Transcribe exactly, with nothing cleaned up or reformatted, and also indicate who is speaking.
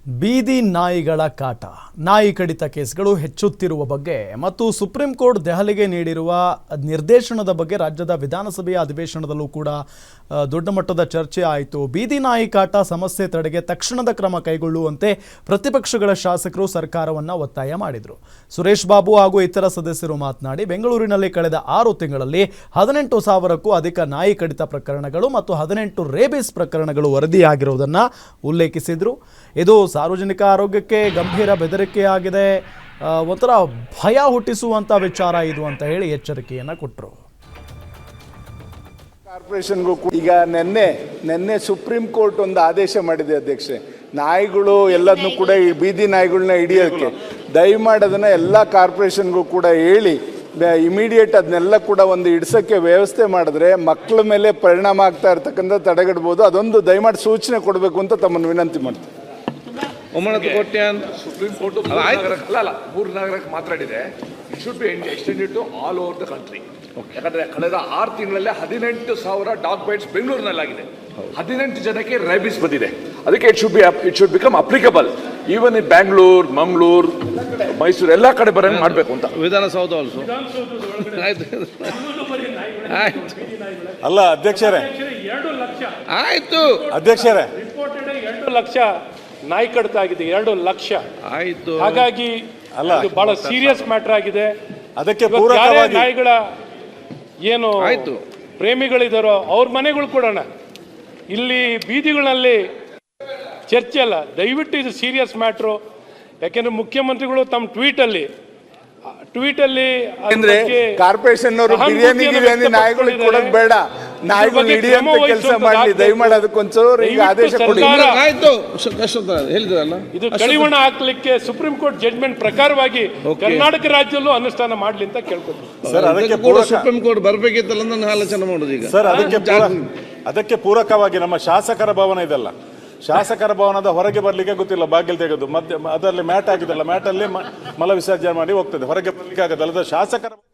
Speaker 1: ಬೀದಿ ನಾಯಿಗಳ ಕಾಟ, ನಾಯಿ ಕಡಿತ ಕೇಸ್ಗಳು ಹೆಚ್ಚುತ್ತಿರುವ ಬಗ್ಗೆ ಮತ್ತು ಸುಪ್ರೀಂ ಕೋರ್ಟ್ ದೆಹಲಿಗೆ ನೀಡಿರುವ ನಿರ್ದೇಶನದ ಬಗ್ಗೆ ರಾಜ್ಯದ ವಿಧಾನಸಭೆಯ ಅಧಿವೇಶನದಲ್ಲೂ ಕೂಡ ದೊಡ್ಡ ಮಟ್ಟದ ಚರ್ಚೆ ಆಯಿತು. ಬೀದಿ ನಾಯಿ ಕಾಟ ಸಮಸ್ಯೆ ತಡೆಗೆ ತಕ್ಷಣದ ಕ್ರಮ ಕೈಗೊಳ್ಳುವಂತೆ ಪ್ರತಿಪಕ್ಷಗಳ ಶಾಸಕರು ಸರ್ಕಾರವನ್ನು ಒತ್ತಾಯ ಮಾಡಿದರು. ಸುರೇಶ್ ಬಾಬು ಹಾಗೂ ಇತರ ಸದಸ್ಯರು ಮಾತನಾಡಿ, ಬೆಂಗಳೂರಿನಲ್ಲಿ ಕಳೆದ ಆರು ತಿಂಗಳಲ್ಲಿ ಹದಿನೆಂಟು ಸಾವಿರಕ್ಕೂ ಅಧಿಕ ನಾಯಿ ಕಡಿತ ಪ್ರಕರಣಗಳು ಮತ್ತು ಹದಿನೆಂಟು ರೇಬಿಸ್ ಪ್ರಕರಣಗಳು ವರದಿಯಾಗಿರುವುದನ್ನು ಉಲ್ಲೇಖಿಸಿದರು. ಇದು ಸಾರ್ವಜನಿಕ ಆರೋಗ್ಯಕ್ಕೆ ಗಂಭೀರ ಬೆದರಿಕೆಯಾಗಿದೆ, ಒಂಥರ ಭಯ ಹುಟ್ಟಿಸುವಂಥ ವಿಚಾರ ಇದು ಅಂತ ಹೇಳಿ ಎಚ್ಚರಿಕೆಯನ್ನು ಕೊಟ್ಟರು.
Speaker 2: ಕಾರ್ಪೊರೇಷನ್ಗೂ ಈಗ ನಿನ್ನೆ ನಿನ್ನೆ ಸುಪ್ರೀಂ ಕೋರ್ಟ್ ಒಂದು ಆದೇಶ ಮಾಡಿದೆ ಅಧ್ಯಕ್ಷೆ, ನಾಯಿಗಳು ಎಲ್ಲದನ್ನು ಕೂಡ ಈ ಬೀದಿ ನಾಯಿಗಳನ್ನ ಹಿಡಿಯೋಕ್ಕೆ ದಯಮಾಡಿ ಅದನ್ನು ಎಲ್ಲ ಕಾರ್ಪೊರೇಷನ್ಗೂ ಕೂಡ ಹೇಳಿ ಇಮಿಡಿಯೇಟ್ ಅದನ್ನೆಲ್ಲ ಕೂಡ ಒಂದು ಹಿಡ್ಸೋಕ್ಕೆ ವ್ಯವಸ್ಥೆ ಮಾಡಿದ್ರೆ ಮಕ್ಕಳ ಮೇಲೆ ಪರಿಣಾಮ ಆಗ್ತಾ ಇರ್ತಕ್ಕಂಥ ತಡೆಗಟ್ಬೋದು. ಅದೊಂದು ದಯಮಾಡಿ ಸೂಚನೆ ಕೊಡಬೇಕು ಅಂತ ತಮ್ಮನ್ನು ವಿನಂತಿ ಮಾಡ್ತೀನಿ.
Speaker 3: ಸುಪ್ರೀಂ ಕೋರ್ಟ್ ಅಲ್ಲ ಅಲ್ಲ ಮೂರು ನಗರಕ್ಕೆ ಮಾತಾಡಿದೆ. It should be extended to all over the country. ಯಾಕಂದ್ರೆ ಕಳೆದ ಆರು ತಿಂಗಳಲ್ಲೇ ಹದಿನೆಂಟು ಸಾವಿರ ಡಾಗ್ ಬೈಟ್ಸ್ ಬೆಂಗಳೂರಿನಲ್ಲಾಗಿದೆ. ಹದಿನೆಂಟು ಜನಕ್ಕೆ ರೇಬಿಸ್ ಬಂದಿದೆ. ಅದಕ್ಕೆ it should be it should become applicable even in Bangalore, Mangaluru, Mysuru ಎಲ್ಲ ಕಡೆ ಬರಂಗೆ ಮಾಡಬೇಕು ಅಂತ.
Speaker 4: ವಿಧಾನಸೌಧ ಆಲ್ಸೋ
Speaker 5: ಅಲ್ಲ ಅಧ್ಯಕ್ಷರೇ,
Speaker 6: ಎರಡು ಲಕ್ಷ
Speaker 4: ಆಯ್ತು
Speaker 5: ಅಧ್ಯಕ್ಷರೇ,
Speaker 6: ರಿಪೋರ್ಟೆಡ್ ಎರಡು ಲಕ್ಷ ನಾಯಿ ಕಡಿತ ಆಗಿದೆ. ಎರಡು ಲಕ್ಷ
Speaker 4: ಆಯ್ತು.
Speaker 6: ಹಾಗಾಗಿ
Speaker 5: ಅಲ್ಲ,
Speaker 6: ಇದು ಬಹಳ ಸೀರಿಯಸ್ ಮ್ಯಾಟರ್ ಆಗಿದೆ.
Speaker 5: ಅದಕ್ಕೆ
Speaker 6: ಯಾರೇ
Speaker 5: ಪೂರಕವಾಗಿ
Speaker 6: ನಾಯಿಗಳ ಏನು
Speaker 4: ಆಯ್ತು
Speaker 6: ಪ್ರೇಮಿಗಳಿದಾರೋ ಅವ್ರ ಮನೆಗಳು ಕೊಡೋಣ. ಇಲ್ಲಿ ಬೀದಿಗಳಲ್ಲಿ ಚರ್ಚೆ ಅಲ್ಲ, ದಯವಿಟ್ಟು ಇದು ಸೀರಿಯಸ್ ಮ್ಯಾಟ್ರು. ಯಾಕೆಂದ್ರೆ ಮುಖ್ಯಮಂತ್ರಿಗಳು ತಮ್ಮ ಟ್ವೀಟಲ್ಲಿ ಟ್ವೀಟಲ್ಲಿ
Speaker 2: ಅಂದ್ರೆ ಕಾರ್ಪೊರೇಷನ್ ಅವರು ಬಿರಿಯಾನಿ ಗಿರಿಯಾನಿ ನಾಯಿಗಳಿಗೆ ಕೊಡೋದು ಬೇಡ, ನಾಯಿಗಳು ಹಿಡಿಯಂತ ಕೆಲಸ ಮಾಡಲಿ ದಯಮಾಡಿ. ಅದಕ್ಕೊಂಚೂರು ಈಗ ಆದೇಶ ಕೊಡಿ.
Speaker 4: ಆಯ್ತು, ಹೇಳಿದ್ರಲ್ಲ,
Speaker 6: ಇದು ಕಡಿವಾಣ ಹಾಕ್ಲಿಕ್ಕೆ ಸುಪ್ರೀಂ ಕೋರ್ಟ್ ಜಡ್ಜ್ಮೆಂಟ್ ಪ್ರಕಾರವಾಗಿ ಕರ್ನಾಟಕ ರಾಜ್ಯದಲ್ಲೂ ಅನುಷ್ಠಾನ ಮಾಡ್ಲಿ ಅಂತ ಕೇಳ್ಕೊತೀನಿ
Speaker 5: ಸರ್. ಅದಕ್ಕೆ
Speaker 4: ಕೂಡ ಸುಪ್ರೀಂ ಕೋರ್ಟ್ ಬರಬೇಕಿತ್ತಲ್ಲ ನನ್ನ ಆಲೋಚನೆ ಮಾಡೋದು ಈಗ
Speaker 5: ಸರ್. ಅದಕ್ಕೆ ಅದಕ್ಕೆ ಪೂರಕವಾಗಿ ನಮ್ಮ ಶಾಸಕರ ಭವನ ಇದೆಲ್ಲ, ಶಾಸಕರ ಭವನದ ಹೊರಗೆ ಬರ್ಲಿಕ್ಕೆ ಗೊತ್ತಿಲ್ಲ, ಬಾಗಿಲು ತೆಗೆದು ಮಧ್ಯ ಅದರಲ್ಲಿ ಮ್ಯಾಟ್ ಆಗಿದೆಲ್ಲ, ಮ್ಯಾಟಲ್ಲಿ ಮಲ ವಿಸರ್ಜನೆ ಮಾಡಿ ಹೋಗ್ತದೆ, ಹೊರಗೆ ಬರ್ಲಿಕ್ಕೆ ಆಗೋದಲ್ಲ ಶಾಸಕರ